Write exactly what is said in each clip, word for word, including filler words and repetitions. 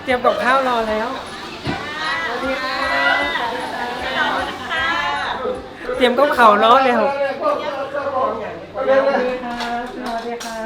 ตรียมกับข้าวรอแล้วสวัสดีค่ะเตรียมกับข้าวรอแล้วสวัสดีค่ะสวัสดีค่ะ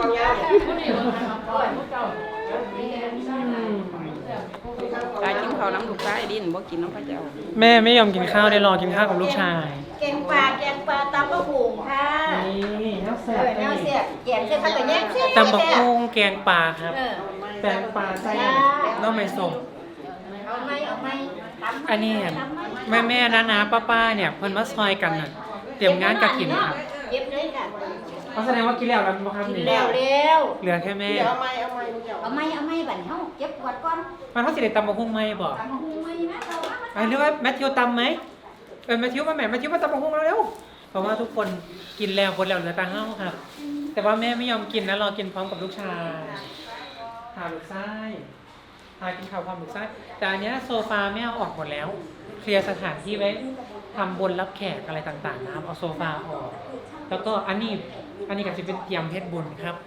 ตายกินข้าวน้ำลูกชายดินบ่กินน้ำพระเจ้าแม่ไม่ยอมกินข้าวได้รอกินข้าวกับลูกชายแกงปลาแกงปลาตำบะหุงค่ะนี่น้ำแซ่เออแนวเสียบแกงเส้นผักกระแยงเส้นตำบักหุ่งแกงปลาครับเออแกงปลาไส้น้องไม่ส้มเอาไหมเอาไหมตำอันนี้แม่แม่นะนะป้าป้าเนี่ยเพิ่นมาซอยกันน่ะเตรียมงานกฐินครับเย็บเลยค่ะเขาแสดงว่ากินแล้วแล้วบ่ครับนี่แล้วเร็วเหลือแค่แม่เอาไหมเอาไหมเอาไหมเอาไหมบัดเฮาเก็บกวาดก่อนมันเฮาสิได้ตำบักหุ่งไหมบ่ตำบะหุงไหมนะเราว่าอ่ะหรือว่าแมทธิวตำไหมเออแมทธิวมาแม่แมทธิวมาตำบักหุ่งแล้วเร็วเพราะว่าทุกคนกินแล้วคนแล้วเหลือแต่เฮาครับ แต่ว่าแม่ไม่ยอมกินนะรอกินพร้อมกับลูกชายหาลูกไส้หากินข้าวพร้อมลูกไส้แต่อันเนี้ยโซฟาแม่เอาออกหมดแล้วเคลียร์สถานที่ไว้ทำบนรับแขกอะไรต่างๆนะครับเอาโซฟาออกแล้วก็อันนี้อันนี้ก็จะเป็นเตรียมเพชรบุญครับ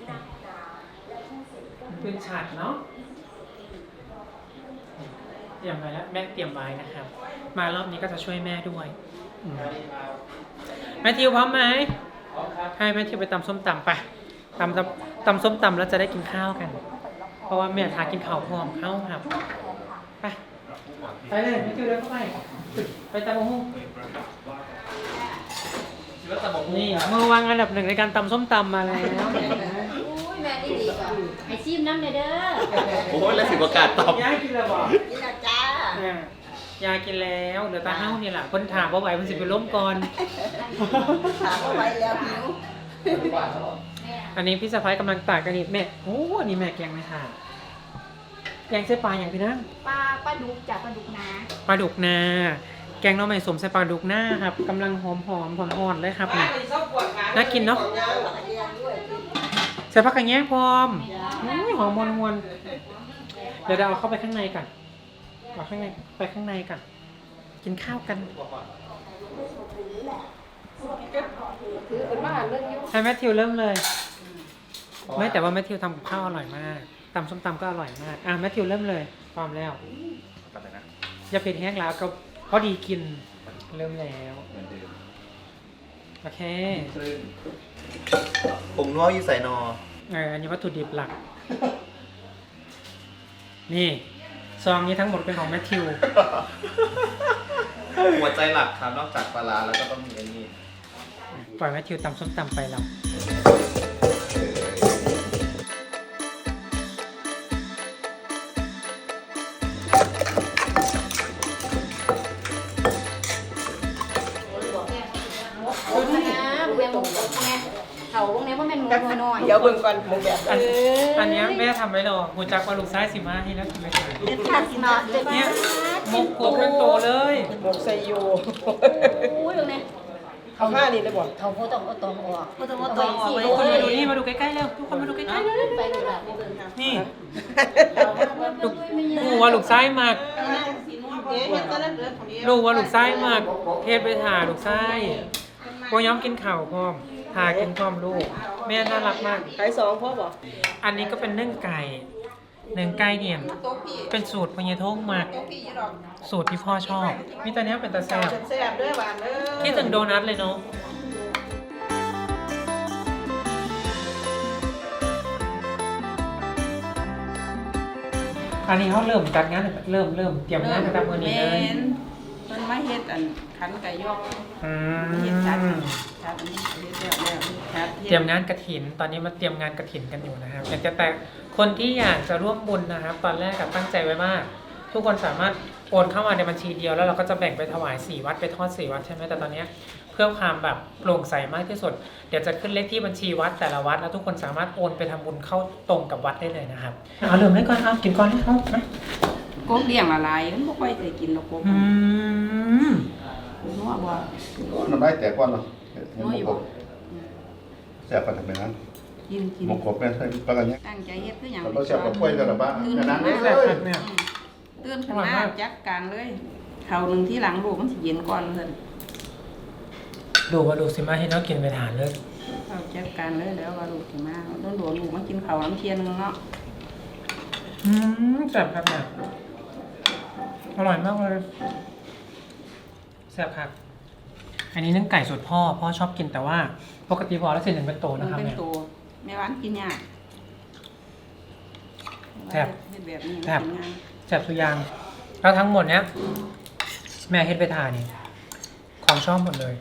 เป็นฉากเนาะเตรียมไว้แล้วแม่เตรียมไว้นะครับ มารอบนี้ก็จะช่วยแม่ด้วยอืมแมทธิวพร้อมไหมให้แมทธิวไปตำส้มตำไปตำตำตำส้มตำแล้วจะได้กินข้าวกัน เพราะว่าแม่ทากินข้าวพร้อมข้าวครับไปไปเลยแมทธิวเดินเข้าไปไปตำบักหุ่งนี่มือวางอันดับหนึ่งในการตำส้มตำมาแล้วอุ้ยแม่ดีดีก่อนให้ชิมน้ำเด้อโอ้ยแล้วสิประกาศตอบยายกินแล้วบอกกินแล้วจ้ายายกินแล้วเหลือตาเฮ้านี่แหละคนถามว่าไหวมันสิไปล้มก่อนถามเอาไว้แล้วหิวอันนี้พี่สะพ้ายกำลังตากกันนี่แม่โอ้อันนี้แม่แกงไม่ทานแกงไส้ปลาอย่างพี่นั่งปลาปลาดุกจากปลาดุกนาปลาดุกนาแกงหน้องใหม่สมใส่ปลาดุกหน้าครับกำลังหอมหอมหอมอ่อนๆเลยครับนี่น่ากินเนาะใส่ผักกระแยงพร้อมอุ้ยหอมมวนมวนๆเดี๋ยวเราเอาเข้าไปข้างในกันเอาข้างในไปข้างในกันกินข้าวกันให้แมทธิวเริ่มเลยไม่แต่ว่าแมทธิวทำกับข้าวอร่อยมากตำส้มตำก็อร่อยมากอ่ะแมทธิวเริ่มเลยพร้อมแล้วอย่าเผ็ดแห้งแล้วก็พอดีกินเริ่มแล้วโอเคผมนัวอยู่ใส่นอเอออันนี้วัตถุดิบหลักนี่ซองนี้ทั้งหมดเป็นของแมทธิวหัวใจหลักครับนอกจากปลาร้าแล้วก็ต้องมีอันนี้ปล่อยแมทธิวตำส้มตำไปเราเขาวงนี้ว่าเป็นมุกน้อยเดี๋ยวเบิ่งก่อนหมูแบบอันอันเนี้ยแม่ทำไว้รอหัวจักว่าลูกซ้ายสิมาให้แล้วทำไมถ่ายเด็ดขาดเนาะเด็ดเนี่ยมกโกบเป็นโตเลยหมกไซโยอุ้ยตรงนี้เอาห้านี่ได้บ่เขาโคต้องเอาตองออกโคต้องเอาตองออกทุกคนมาดูนี่มาดูใกล้ๆเร็วทุกคนมาดูใกล้ๆเร็วไปดูละนี่ลูกลูกว่าลูกซ้ายมากลูกว่าลูกซ้ายมากเทศไปถ่าลูกซ้ายพวกย้อมกินข่าวพร้อมทากินพร้อมลูกแม่น่ารักมากขายสองพ่อบ่อันนี้ก็เป็นนึ่งไก่นึ่งไก่เนี่ยเป็นสูตรพญทงมากสูตรที่พ่อชอบมีตอนนี้เป็นตาแซ่บแซ่บเด้อหวานเด้อคิดถึงโดนัทเลยเนาะอันนี้เขาเริ่มจัดงานเริ่มเริ่มเตรียมงานกันตามวันนี้เลยมันมาเฮ็ดอันขันไก่ยอกอืเฮ็ดชัดมชัดอันนี้เฮ็ดแล้วแล้วชัดเตรียมงานกฐิน ตอนนี้มาเตรียมงานกฐินกันอยู่นะครับอยากจะแต่คนที่อยากจะร่วมบุญนะครับ ตอนแรกกับตั้งใจไว้ว่า ทุกคนสามารถโอนเข้ามาในบัญชีเดียวแล้วเราก็จะแบ่งไปถวายสี่วัดไปทอดสี่วัดใช่ไหมแต่ตอนนี้เพื่อความแบบโปร่งใสมากที่สุดเดี๋ยวจะขึ้นเลขที่บัญชีวัดแต่ละวัดแล้วทุกคนสามารถโอนไปทำบุญเข้าตรงกับวัดได้เลยนะครับเอาเริ่มได้ก่อนเอากินก่อนให้เขาไหมกบเลี้ยงละลายมันบ่ค่อยได้กินหรอกกบอืมนัวบ่น้ำได้แต่ก่อนเหรอเห็นหมกบแซ่บกันทำไมนั้นกินกินหมกบเนี่ยใช่ปลากันเนี้ยตั้งใจเฮ็ดคือหยังเราแซ่บกับกล้วยกันหรือเปล่าแค่นั้นเลแซ่บยมากเนี่ยตื่นขึ้นมาจัดการเลยข้าวนึงที่หลังลูกมันสิเย็นก่อนเพิ่นดูว่าดูสิมาให้น้องกินไปทานเลยเอาจัดการเลยแล้วว่าลูกสิมาโดนโดนลูกมากินข้าวน้ำเทียนนึงเนาะอืมแซ่บครับเนี่ยอร่อยมากเลยแซ่บครับ อันนี้นึ่งไก่สูตรพ่อ พ่อชอบกินแต่ว่าปกติพอแล้วเส้นหนึ่งเป็นโตมันนะครับเป็นเนี่ยตัวแม่หวานกินยากแซ่บเฮ็ดแบบนี้แซ่บกินง่ายแซ่บทุกอย่างแล้วทั้งหมดเนี้ย แม่เฮ็ดไปทานนี่ของชอบหมดเลย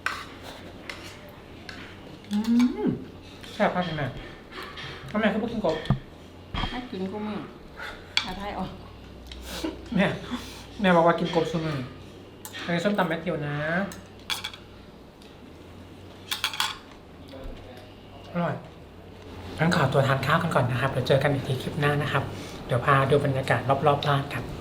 อืมแซ่บมากเลยแม่ทำไมเขาไม่กินกบให้กินก็มืออาไทยออกแม่แม่บอกว่ากินกบซุมืออันนี้ส้มตำแมทธิวนะ อร่อยงั้นขอตัวทานข้าวกันก่อนนะครับ เดี๋ยวเจอกันอีกทีคลิปหน้านะครับ เดี๋ยวพาดูบรรยากาศรอบๆบ้านครับ